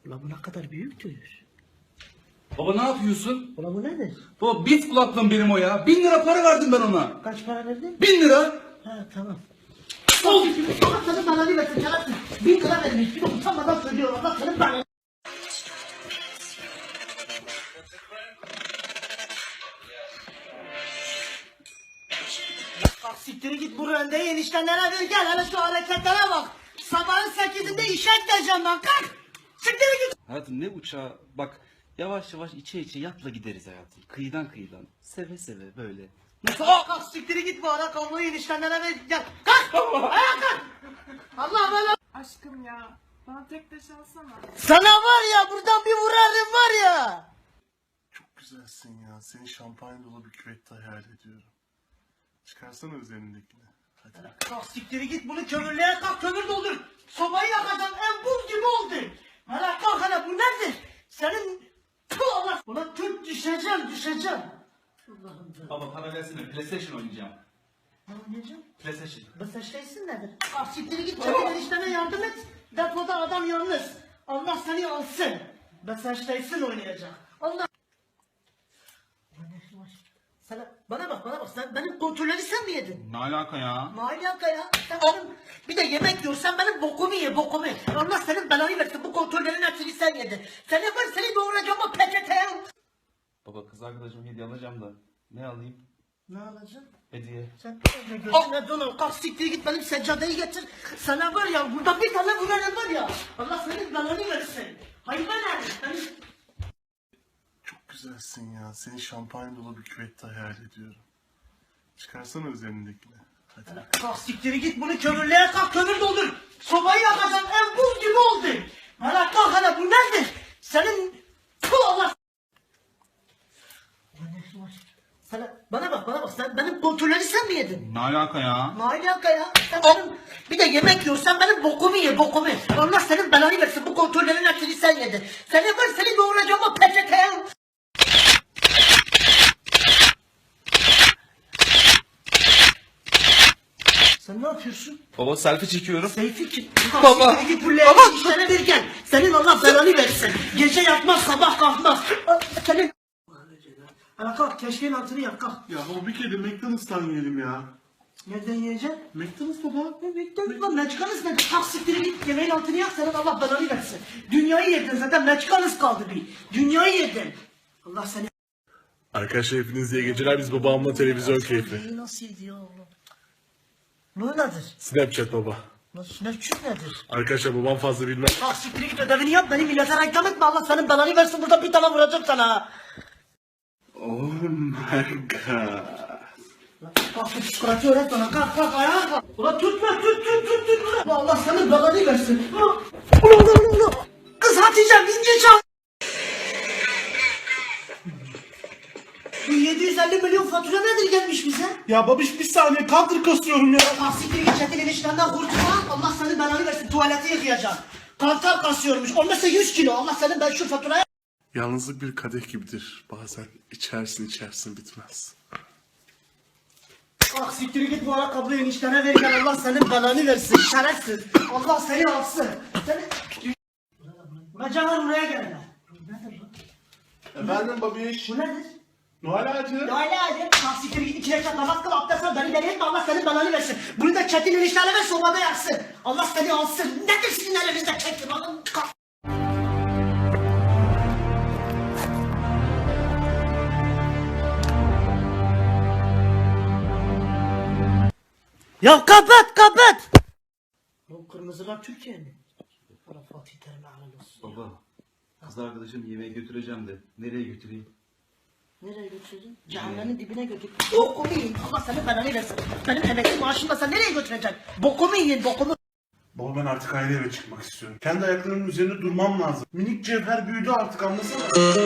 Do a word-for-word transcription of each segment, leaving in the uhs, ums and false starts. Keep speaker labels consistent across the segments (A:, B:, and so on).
A: Ulan bu ne kadar büyüktür.
B: Baba ne yapıyorsun?
A: Ulan bu nedir?
B: Baba bit kulaklığım benim o ya. Bin lira para verdim ben ona.
A: Kaç para verdin?
B: Bin lira.
A: Ha tamam. Al! Allah senin belanı versin şerefsiz. Bin lira vermiş. Bir de utanmadan söylüyor. Allah senin belanı. Kalk siktiri git bu röndeyi eniştenlere ver gel. Hele şu hareketlere bak. Sabahın sekizinde işe gideceğim ben. Kalk. Siktiri git.
B: Hayatım ne uçağı bak yavaş yavaş içe içe yatla gideriz hayatım. Kıyıdan kıyıdan. Seve seve böyle.
A: Nasıl? Kalk siktiri git bu ara kabloyu eniştenlere ver gel. Kalk. Ayağa kalk. Allah Allah.
C: Aşkım ya, bana tek taş alsana.
A: Sana var ya buradan bir vurarım var ya.
D: Çok güzelsin ya. Seni şampanya dolu bir küvette hayal ediyorum. Çıkarsana üzerindekini. Hadi.
A: Kalk siktiri git bunu kömürlüğe kalk kömür doldur. Sobayı yakacağım en buz gibi oldu. Hele kalk hele bu nedir? Senin Tüh Allah. Ulan tüh düşeceğim düşeceğim. Allah'ım da.
B: Baba para versene PlayStation oynayacağım.
A: Ne oynayacağım?
B: PlayStation.
A: Bu seçteysin nedir? Kalk siktiri git çabuk enişteme yardım et. Depoda adam yalnız. Allah seni alsın. Ben seçteysin oynayacak. Allah. Sana, bana bak bana bak sen benim kontrolleri sen mi yedin?
B: Ne alaka ya?
A: Ne alaka ya? Sen benim, bir de yemek yiyorsan benim bokumu ye bokumu. Allah senin belanı versin bu kontrollerin hepsini sen yedin. Sen yapar seni doğuracağım o peçeteye.
B: Baba kız arkadaşım hediye alacağım da. Ne alayım?
A: Ne alacaksın?
B: Hediye.
A: Sen önce gözüne donal kalk siktir git benim seccadeyi getir. Sana var ya burada bir tane vurarım var ya. Allah senin belanı versin. Hayvan herif. Benim...
D: Çok güzelsin ya. Seni şampanya dolu bir küvette hayal ediyorum. Çıkarsana üzerindekini. Hadi.
A: Kalk siktiri git bunu kömürlüğe kalk kömür doldur. Sobayı yakacağım en buz gibi oldu. Hala kalk hele bu nedir? Senin Tüh Allah. Sana, bana bak bana bak sen benim kontrolleri sen mi yedin?
B: Ne alaka ya?
A: Ne alaka ya? Sen benim, bir de yemek yiyorsan benim bokumu ye bokumu. Allah senin belanı versin bu kontrollerin hepsini sen yedin. Sen yapar seni doğuracağım o peçeteye. Sen ne yapıyorsun?
B: Baba selfie çekiyorum.
A: Seyfi ki.
B: Baba.
A: Git bu leğeni işlere verirken senin Allah belanı versin. Gece yatmaz sabah kalkmaz. Senin... Hala kalk keşkeğin altını yak kalk.
D: Ya baba bir kere de McDonald's'tan yiyelim ya.
A: Nereden yiyeceksin?
D: McDonald's baba.
A: Ne bekliyorsun lan meçkanız nedir? Kalk siktiri git yemeğin altını yak senin Allah belanı versin. Dünyayı yedin zaten meçkanız kaldı bir. Dünyayı yedin. Allah seni...
D: Arkadaşlar hepiniz iyi geceler. Biz babamla televizyon keyfi.
A: Neyi nasıl yedi Allah? Bu nedir?
D: Snapchat baba.
A: Nasıl Snapchat nedir?
D: Arkadaşlar babam fazla bilmez.
A: Kalk siktiri git ödevini yap beni millete reklam etme Allah senin belanı versin burada bir tane vuracağım sana.
D: Oh my god.
A: Kalk şu psikolojisi öğret bana kalk kalk ayağa kalk. Ulan tutma tut tut tut tut. Ulan Allah senin belanı versin. Ulan ulan ulan ulan. Kız Hatice vinci çal. Bu yedi yüz elli milyon fatura nedir gelmiş bize?
D: Ya babiş bir saniye counter kasıyorum ya.
A: Kalk siktir git çetin eniştenden kurtulma. Allah senin belanı versin tuvaleti yıkayacaksın. Kantar kasıyormuş. Olmazsa yüz kilo. Allah senin ben şu faturaya...
D: Yalnızlık bir kadeh gibidir. Bazen içersin içersin bitmez.
A: Kalk siktir git bu ara kabloyu eniştene ver gel Allah senin belanı versin şerefsiz. Allah seni alsın. Seni... Bacalar buraya gel hele. Nedir bu?
D: Efendim babiş.
A: Bu nedir?
D: Noel ağacı.
A: Ya hadi hadi. Kalk siktir git iki rekat namaz kıl abdest al beni deli etme Allah senin belanı versin. Bunu da çetin eniştene ver sobada yaksın. Allah seni alsın. Nedir sizin elinizde çetin? Kalk. Ya kapat kapat. Bu kırmızılar Türkiye mi? Allah Fatih Terim'e helal olsun.
B: Baba kız arkadaşım yemeğe götüreceğim de. Nereye götüreyim?
A: Nereye götüreceksin? Cehennemin dibine götür. Bokumu yiyin. Allah senin belanı versin. Benim emekli maaşımla sen nereye götüreceksin? Bokumu yiyin bokumu.
D: Baba ben artık ayrı eve çıkmak istiyorum. Kendi ayaklarımın üzerinde durmam lazım. Minik cevher büyüdü artık anlasana.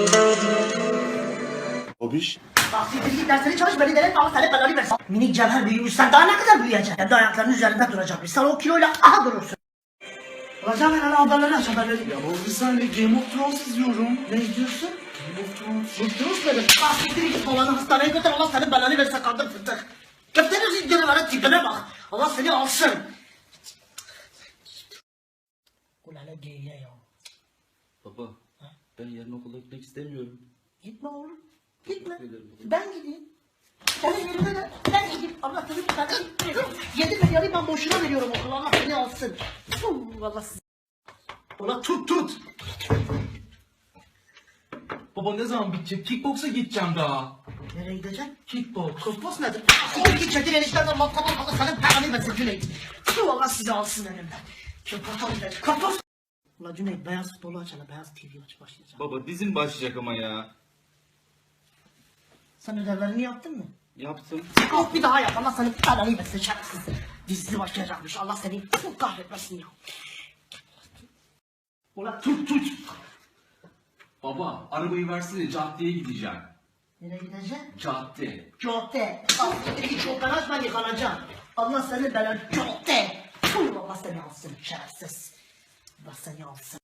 D: Babiş.
A: Bak siktir git dersleri çalış beni deli etme Allah senin belanı versin. Minik cevher büyümüş sen daha ne kadar büyüyeceksin? Kendi ayaklarının üzerinde duracakmış. Sen o kiloyla aha durursun. Hocam ben ana haberleri aç haberleri.
D: Ya baba bir saniye Game of Thrones izliyorum.
A: Ne izliyorsun?
D: Game of Thrones.
A: Bıktınız benim. Bak siktir git babanı hastaneye götür Allah senin belanı versin kandır fındık. Köftenin zinciri var tipine bak. Allah seni alsın. Ulan hele geyiğe ya.
B: Baba ben yarın okula gitmek istemiyorum.
A: Gitme oğlum. Gitme.
B: Teşekkür ederim baba.
A: Ben gideyim. Senin yerine de ben gideyim. Allah seni ben gideyim. Yedi milyarı ben boşuna veriyorum okula. Allah seni alsın. Fuh, vallahi siz. Ulan tut tut.
E: Baba ne zaman bitecek? Kickboksa gideceğim daha.
A: Nereye gideceksin?
E: Kickboks.
A: Kosmos nedir? Siktir git çetin enişten Allah tamam Allah senin paranı versin Cüneyt. Fuh, Allah sizi alsın elimden. Kapatalım ben. Kapat. Ulan Cüneyt beyaz futbolu açana beyaz T V aç başlayacağım.
B: Baba dizim başlayacak ama ya.
A: Sen ödevlerini yaptın mı?
B: Yaptım.
A: Yok bir daha yap. Allah senin paranı versin şerefsiz. Dizisi başlayacakmış. Allah seni fuh, kahretmesin ya. Ulan tut tut.
E: Baba arabayı versene caddeye gideceğim.
A: Nereye gideceksin?
E: Cadde.
A: Cadde. Al siktir çok ben açma yıkanacağım. Allah seni belanı cadde. Fuh, Allah seni alsın şerefsiz. Allah seni alsın.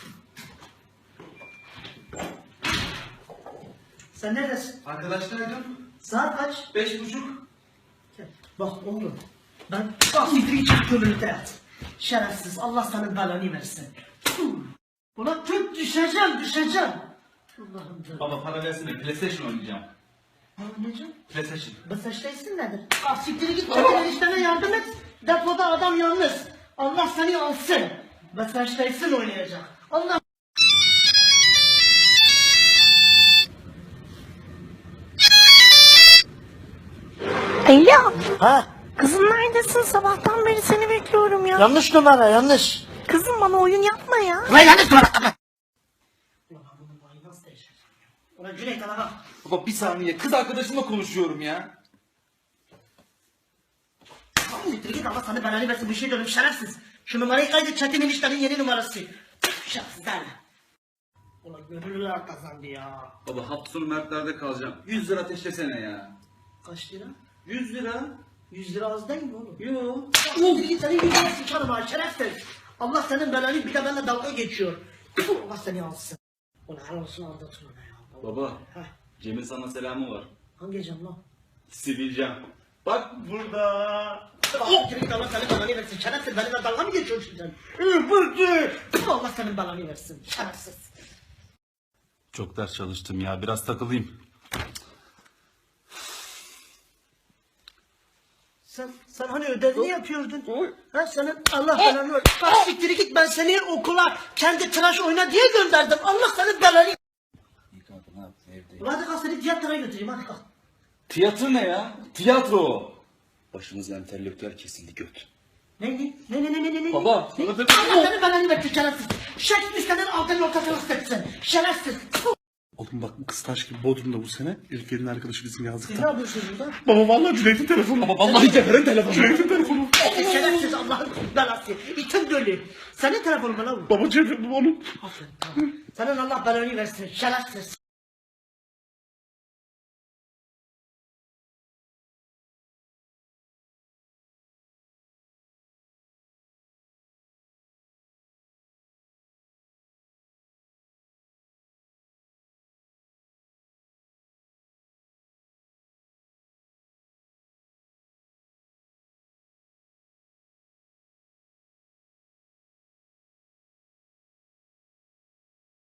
A: Sen neredesin?
E: Arkadaşlarım.
A: Saat kaç?
E: Beş buçuk.
A: Bak oğlum. Ben bak siktir git kömürlükte yat. Şerefsiz. Allah senin belanı versin. Fuh. Ulan tut düşeceğim düşeceğim. Allah'ım da.
E: Baba para versene PlayStation oynayacağım.
A: Ne oynayacağım?
E: PlayStation.
A: Basışta nedir? Ah siktir git çabuk enişteme yardım et. Depoda adam yalnız. Allah seni alsın. Basışta oynayacak. Allah.
F: Alo,
A: Ha
F: kızım neredesin? Sabahtan beri seni bekliyorum ya.
A: yanlış numara yanlış.
F: Kızım bana oyun yapma ya.
A: Ulan yanlış numara. Ulan ben bunun vayı nasıl değiştireceğim? Ulan Cüneyt ana bak.
B: Baba bir saniye kız arkadaşımla konuşuyorum ya.
A: Tamam siktir git Allah sana belanı versin bir şey diyorum şerefsiz. Şu numarayı kaydet Çetin eniştenin yeni numarası. Şerefsizler. Ulan gönüllüler kazandı ya.
B: Baba hafta sonu Mertler'de kalacağım. yüz lira ateşlesene ya.
A: Kaç lira?
B: yüz lira?
A: yüz lira az değil mi oğlum?
B: Yo.
A: Siktir git senin yüzüne sıçarım ha şerefsiz. Allah senin belanı bir de benimle dalga geçiyor. Tfu, Allah seni alsın. Ulan helal olsun aldatın ona ya.
B: Baba
A: Heh,
B: Cem'in sana selamı var.
A: hangi cam lan?
B: Sileceğim. Bak burada.
A: Oh, git Allah senin belanı versin. Şerefsiz benimle dalga mı geçiyorsun sen? Ee, Bıktı. Tfu, Allah senin belanı versin. Şerefsiz.
B: Çok ders çalıştım ya biraz takılayım.
A: Sen, sen hani ödevini yapıyordun. Ha senin Allah belanı ver. Bak siktir git ben seni okula kendi tıraş oyna diye gönderdim. Allah senin belanı.
B: İyi kanka ne yaptın evdeyim.
A: Ulan hadi kalk seni tiyatroya götüreyim hadi kalk.
B: Tiyatro ne ya? Tiyatro. Başımız entelektüel kesildi göt.
A: Ne ne ne ne ne ne ne?
B: Baba,
A: Ne?
B: bana da-
A: Allah senin belanı versin şerefsiz. Shakespeare'nin altın ortasını ısıtsın. Şerefsiz. Tfu.
D: Oğlum bak bu kız taş gibi Bodrum'da bu sene. İlker'in arkadaşı bizim
A: Siz ne
D: yazlıkta.
A: yapıyorsunuz burada?
D: Baba vallahi Cüneyt'in telefonu. Baba vallahi Cevher'in telefonu. Cüneyt'in telefonu.
A: Şerefsiz Allah'ın belası. İtin dölü. Senin telefonun mu lan bu?
D: Baba Cevher bu onun.
A: Aferin tamam. Senin Allah belanı versin şerefsiz.